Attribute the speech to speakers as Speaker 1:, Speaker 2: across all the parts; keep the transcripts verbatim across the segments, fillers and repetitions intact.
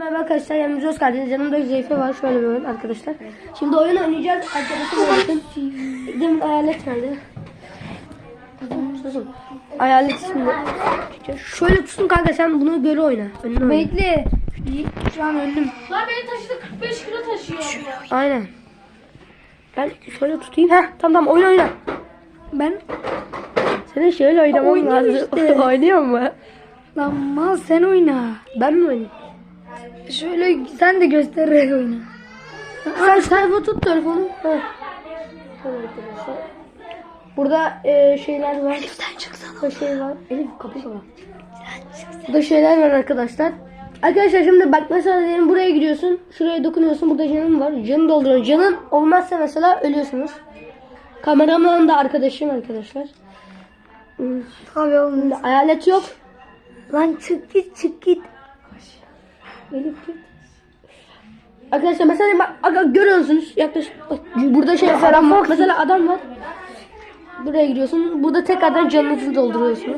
Speaker 1: Merhaba arkadaşlar, yanımızda hoş geldiniz. Yanımda Zeyfe var, şöyle bir oyun arkadaşlar. Şimdi oyun oynayacağız. Arkadaşım oynasın. Demin hayalet nerede? Susun. Hayalet şimdi. Şöyle tutun kanka, sen bunu göre oyna. Önüne oyna.
Speaker 2: Bekle. Şu an öldüm.
Speaker 3: Lan beni taşıdı, kırk beş kilo taşıyor.
Speaker 1: Aynen. Ben şöyle tutayım. Heh, tamam tamam, oyna oyna.
Speaker 2: Ben
Speaker 1: Senin şöyle oynaman
Speaker 2: Oynuyor
Speaker 1: lazım.
Speaker 2: işte.
Speaker 1: Oynuyor mu?
Speaker 2: lan mal sen oyna.
Speaker 1: Ben mi oynayayım?
Speaker 2: Şöyle sen de göstererek oyna.
Speaker 1: Sen sayfa tut telefonu. Heh. Şöyle arkadaşlar. Burada e, şeyler var.
Speaker 2: Elif'ten çıksana.
Speaker 1: Burada şey var. Elif kapı var. Burada şeyler var arkadaşlar. Arkadaşlar şimdi bak, mesela diyelim buraya gidiyorsun. Şuraya dokunuyorsun. Burada canın var. Canı dolduruyorsun. Canın olmazsa mesela ölüyorsunuz. Kameraman da arkadaşım arkadaşlar. Hmm.
Speaker 2: Tabii oğlum.
Speaker 1: Şimdi hayalet yok.
Speaker 2: Lan çık git çık git.
Speaker 1: Elif git. Arkadaşlar mesela bak, bak görüyorsunuz, yaklaşık bak, burada şey falan var. Mesela adam var. Buraya gidiyorsun. Burada tekrardan canınızı dolduruyorsunuz.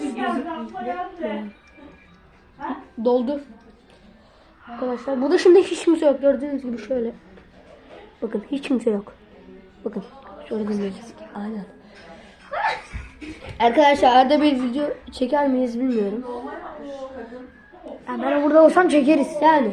Speaker 1: Doldu. Arkadaşlar burada şimdi hiç kimse yok. Gördüğünüz gibi şöyle. Bakın hiç kimse yok. Bakın. Şöyle görüyorsunuz. Aynen. Arkadaşlar arada bir video çeker miyiz bilmiyorum.
Speaker 2: Ya ben burada olsam çekeriz.
Speaker 1: Yani.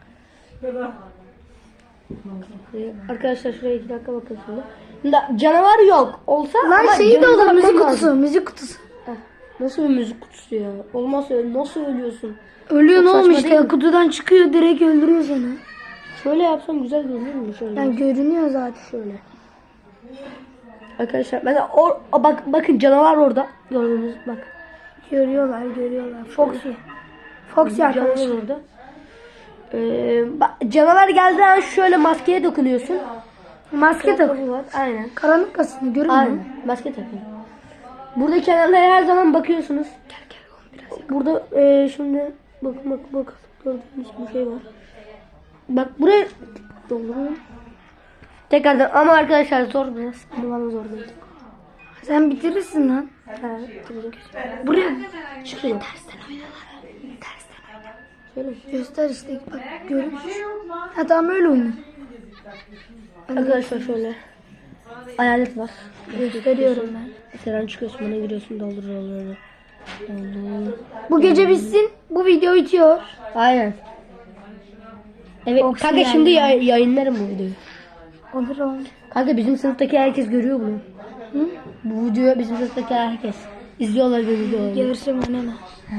Speaker 1: Arkadaşlar şuraya iki dakika bakın şimdi. Şimdi canavar yok. Olsa
Speaker 2: Lan
Speaker 1: ama
Speaker 2: şeyi de
Speaker 1: canınıza
Speaker 2: olur, müzik
Speaker 1: bakmam
Speaker 2: kutusu,
Speaker 1: lazım.
Speaker 2: müzik kutusu.
Speaker 1: Heh, nasıl bir müzik kutusu ya? Olmaz öyle. Nasıl ölüyorsun?
Speaker 2: Ölüyor ne
Speaker 1: Çok
Speaker 2: olmuş
Speaker 1: saçma değil
Speaker 2: işte,
Speaker 1: mi?
Speaker 2: kutudan çıkıyor direkt öldürüyor seni.
Speaker 1: Şöyle yapsam güzel görünür mü? Şöyle.
Speaker 2: Yani görünüyor zaten.
Speaker 1: Şöyle. Arkadaşlar mesela o, o bak, bakın canavar orada. Gördünüz bak.
Speaker 2: Görüyorlar görüyorlar. Foxy. Foxy arkadaşlar.
Speaker 1: Canavar orada. Ee, bak, canavar geldiği an şöyle maskeye dokunuyorsun.
Speaker 2: Maske tak.
Speaker 1: Kıyafeti var. Aynen.
Speaker 2: Karanlık aslında görünmüyor.
Speaker 1: Aynen. Maske takın. Burada kenarlara her zaman bakıyorsunuz.
Speaker 2: Gel gel oğlum biraz.
Speaker 1: Burada e, şimdi bakın bak bak gördüğünüz bir şey var. Bak buraya dolduruyorum. Tekrardan ama arkadaşlar zor biraz. Ama bana zor değil.
Speaker 2: Sen bitirirsin lan.
Speaker 1: Ha, bitireceğim.
Speaker 2: Buraya
Speaker 1: Şuraya.
Speaker 2: tersten oyna lan. Tersten oyna.
Speaker 1: Şöyle.
Speaker 2: Göster işte bak görünüyor. Ha tamam öyle oyna.
Speaker 1: Arkadaşlar şöyle. Hayalet var.
Speaker 2: Gösteriyorum ben.
Speaker 1: Seren çıkıyorsun, bana giriyorsun, doldur doldur. Doldur.
Speaker 2: Bu gece bitsin. Bu video bitiyor.
Speaker 1: Aynen. Evet
Speaker 2: Foxy
Speaker 1: kanka
Speaker 2: yani.
Speaker 1: şimdi yay- yayınlarım bu videoyu.
Speaker 2: Olur oğlum.
Speaker 1: Kanka bizim sınıftaki herkes görüyor bunu.
Speaker 2: Hı?
Speaker 1: Bu videoyu bizim sınıftaki herkes izliyorlar bu videoyu.
Speaker 2: Görüşüm önemli.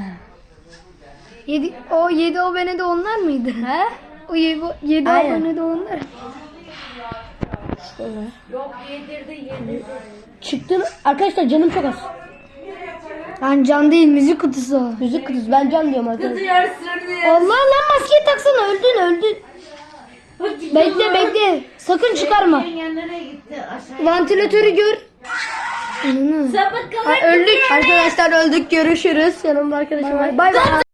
Speaker 2: Yedi, o yedi abone de onlar mıydı?
Speaker 1: He?
Speaker 2: O yedi, yedi
Speaker 1: Aynen.
Speaker 2: abone de onlar.
Speaker 1: Şöyle.
Speaker 3: Yok yedirdi yedirdi.
Speaker 1: Çıktım. Arkadaşlar canım çok az.
Speaker 2: Lan can değil, müzik kutusu o.
Speaker 1: Müzik kutusu. Ben can diyorum arkadaşlar.
Speaker 3: Diyorsun
Speaker 2: Allah lan maskeyi taksana, öldün öldün. Bekle bekle. Sakın çıkarma.
Speaker 3: Nereye gitti aşağı?
Speaker 2: Vantilatörü gör. Ananı.
Speaker 3: Sapık
Speaker 2: Ha, öldük.
Speaker 1: Arkadaşlar öldük. Görüşürüz. Yanımda arkadaşım var. Bay bay.